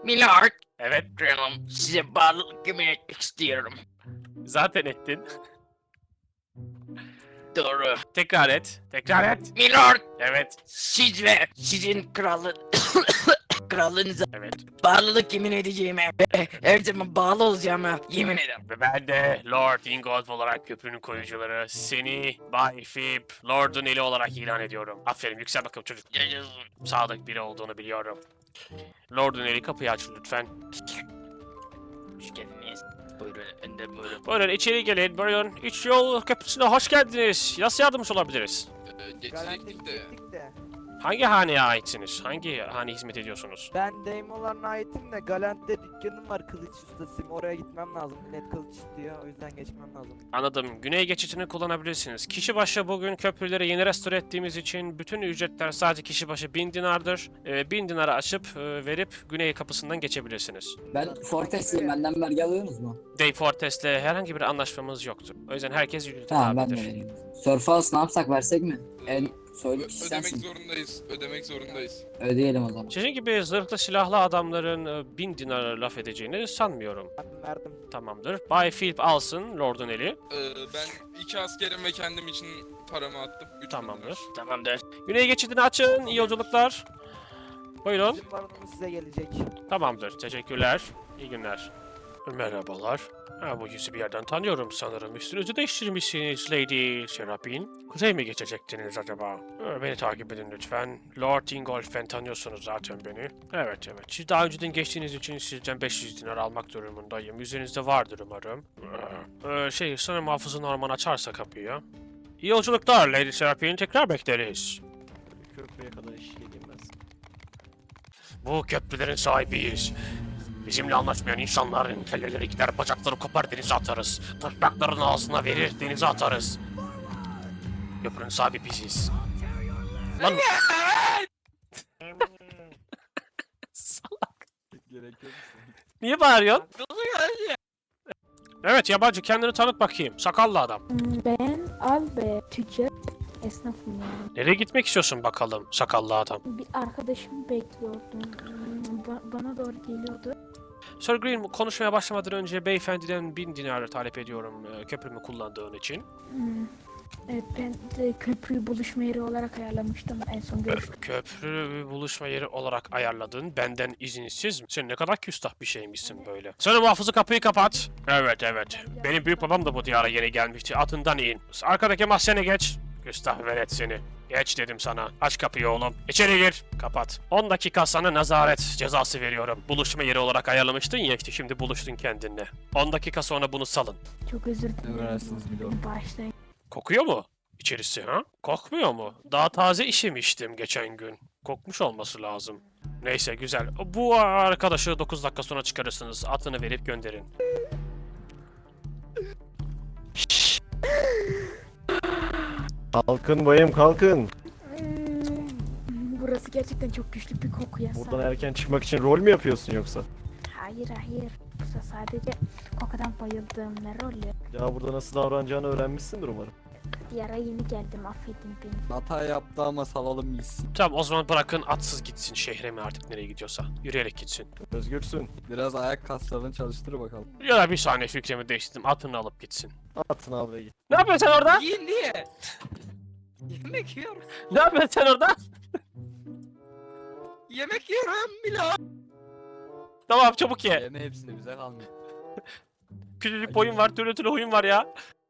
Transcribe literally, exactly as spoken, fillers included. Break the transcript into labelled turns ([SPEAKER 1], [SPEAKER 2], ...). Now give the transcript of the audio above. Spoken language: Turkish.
[SPEAKER 1] Milord,
[SPEAKER 2] Evet,
[SPEAKER 1] kralım size bağlılık yemin etmek istiyorum.
[SPEAKER 2] zaten ettin.
[SPEAKER 1] Doğru.
[SPEAKER 2] Tekrar et. Tekrar et.
[SPEAKER 1] Milord,
[SPEAKER 2] Evet.
[SPEAKER 1] siz ve sizin kralın... krallığınıza
[SPEAKER 2] Evet.
[SPEAKER 1] bağlılık yemin edeceğime ve her zaman bağlı olacağıma yemin ederim.
[SPEAKER 2] Ve ben de Lord Ingolf olarak köprünün koyucuları seni Bay Fib, Lord'un eli olarak ilan ediyorum. Aferin, yüksel bakalım çocuk.
[SPEAKER 1] Yaşasın.
[SPEAKER 2] Sadık biri olduğunu biliyorum. Lord'un eli, kapıyı aç lütfen.
[SPEAKER 1] Hoş geldiniz. Buyurun efendim, buyurun.
[SPEAKER 2] Buyurun içeri gelin, buyurun. Üç yol köprüsüne hoş geldiniz. Nasıl yardımcı olabiliriz?
[SPEAKER 3] Ee,
[SPEAKER 4] Garanti
[SPEAKER 3] geçecektik de.
[SPEAKER 4] gittik de.
[SPEAKER 2] Hangi haneye aitsiniz? Hangi hane hizmet ediyorsunuz?
[SPEAKER 4] Ben Daimolar'ına aitim de Galant'te dükkanım var, kılıç ustasıyım. Oraya gitmem lazım. Millet kılıç istiyor, o yüzden geçmem lazım.
[SPEAKER 2] Anladım. Güney geçitini kullanabilirsiniz. Kişi başı bugün köprüleri yeni restore ettiğimiz için bütün ücretler sadece kişi başı bin dinardır. Ee, bin dinara açıp e, verip güney kapısından geçebilirsiniz.
[SPEAKER 5] Ben Fortes'liyim, benden vergi alıyorsunuz mu?
[SPEAKER 2] Dave Fortes'le herhangi bir anlaşmamız yoktur. O yüzden herkes ücrete
[SPEAKER 5] Tamam, ben de
[SPEAKER 2] tabidir.
[SPEAKER 5] vereyim. Surfhouse ne yapsak, versek mi? En söyle
[SPEAKER 3] Ö-
[SPEAKER 5] kişi
[SPEAKER 3] ödemek
[SPEAKER 5] sensin.
[SPEAKER 3] zorundayız. Ödemek zorundayız.
[SPEAKER 5] Ödeyelim o zaman.
[SPEAKER 2] Sizin gibi zırhlı silahlı adamların e, bin dinara laf edeceğini sanmıyorum.
[SPEAKER 4] Ben verdim.
[SPEAKER 2] Tamamdır. Bay Philip alsın Lord'un eli.
[SPEAKER 3] Ee, ben iki askerim ve kendim için paramı attım. Üç bin
[SPEAKER 2] Tamamdır.
[SPEAKER 3] dinar.
[SPEAKER 1] Tamamdır.
[SPEAKER 2] Güney geçidini açın. İyi yolculuklar. Buyurun.
[SPEAKER 4] Bizim baronumuz size gelecek.
[SPEAKER 2] Tamamdır. Teşekkürler. İyi günler. Merhabalar. Ha, bu yüzü bir yerden tanıyorum sanırım. Üstünüzü değiştirmişsiniz Lady Serapin. Kuzey mi geçecektiniz acaba? Ha, beni takip edin lütfen. Lord Ingolf'ten tanıyorsunuz zaten beni. Evet evet. Siz daha önceden geçtiğiniz için sizden beş yüz dinar almak durumundayım. Üzerinizde vardır umarım. Ee, şey sanırım hafızın Norman açarsa kapıyı. İyi yolculuklar Lady Serapin. Tekrar bekleriz.
[SPEAKER 6] Köprüye kadar iş gelmez.
[SPEAKER 2] Bu köprülerin sahibiyiz. Bizimle anlaşmayan insanların kelleleri gider, bacakları kopar, denize atarız. Tırnakların ağzına verir, denize atarız. Köprünün sahibi biziz. Lan salak.
[SPEAKER 6] Gerek yok.
[SPEAKER 2] Niye bağırıyorsun? Evet yabancı, kendini tanıt bakayım. Sakallı adam.
[SPEAKER 7] Ben Albert, tüccar esnafım yani.
[SPEAKER 2] Nereye gitmek istiyorsun bakalım sakallı adam?
[SPEAKER 7] Bir arkadaşımı bekliyordum. Ba- bana doğru geliyordu.
[SPEAKER 2] Sir Green konuşmaya başlamadan önce beyefendiden bin dinar talep ediyorum e, köprümü kullandığın için.
[SPEAKER 7] Hmm. Evet, ben de köprüyü buluşma yeri olarak ayarlamıştım en son görüştüm.
[SPEAKER 2] Köprü buluşma yeri olarak ayarladın. Benden izinsiz mi? Sen ne kadar küstah bir şeymişsin böyle. Sen muhafızı kapıyı kapat. Evet evet. Benim büyük babam da bu diyara yeni gelmişti. Atından in. Arkadaki mahzene geç. Küstah velet seni. Geç dedim sana. Aç kapıyı oğlum. İçeri gir. Kapat. on dakika sana nazaret cezası veriyorum. Buluşma yeri olarak ayarlamıştın ya işte şimdi buluştun kendinle. on dakika sonra bunu salın.
[SPEAKER 7] Çok özür dilerim.
[SPEAKER 6] Emredersiniz milord.
[SPEAKER 7] Bağışlayın.
[SPEAKER 2] Kokuyor mu içerisi ha? Kokmuyor mu? Daha taze işemiştim geçen gün. Kokmuş olması lazım. Neyse güzel. Bu arkadaşı dokuz dakika sonra çıkarırsınız. Atını verip gönderin.
[SPEAKER 6] Kalkın bayım kalkın.
[SPEAKER 7] Hmm, Burası gerçekten çok güçlü bir koku ya.
[SPEAKER 6] Buradan erken çıkmak için rol mü yapıyorsun yoksa?
[SPEAKER 7] Hayır hayır. Bu sadece kokudan bayıldım. Ne rolü?
[SPEAKER 6] Ya burada nasıl davranacağını öğrenmişsindir umarım.
[SPEAKER 7] Diyara yeni geldim, affedin beni.
[SPEAKER 8] Hata yaptı ama salalım gitsin.
[SPEAKER 2] Tamam o zaman bırakın atsız gitsin şehre mi artık nereye gidiyorsa. Yürüyerek gitsin.
[SPEAKER 6] Özgürsün.
[SPEAKER 8] Biraz ayak kaslarını çalıştır bakalım.
[SPEAKER 2] Ya da bir saniye fikrimi değiştirdim. Atını alıp gitsin.
[SPEAKER 6] Atın abi git.
[SPEAKER 2] Ne yapıyorsun sen orada?
[SPEAKER 1] Yiyin diye. Yemek yiyorum.
[SPEAKER 2] Ne yapıyorsun sen orada?
[SPEAKER 1] Yemek yiyorum Milord.
[SPEAKER 2] Tamam çabuk ye.
[SPEAKER 8] Yeme hepsini bize kalmıyor.
[SPEAKER 2] Küçücük boyun var, türlü türlü huyun var ya.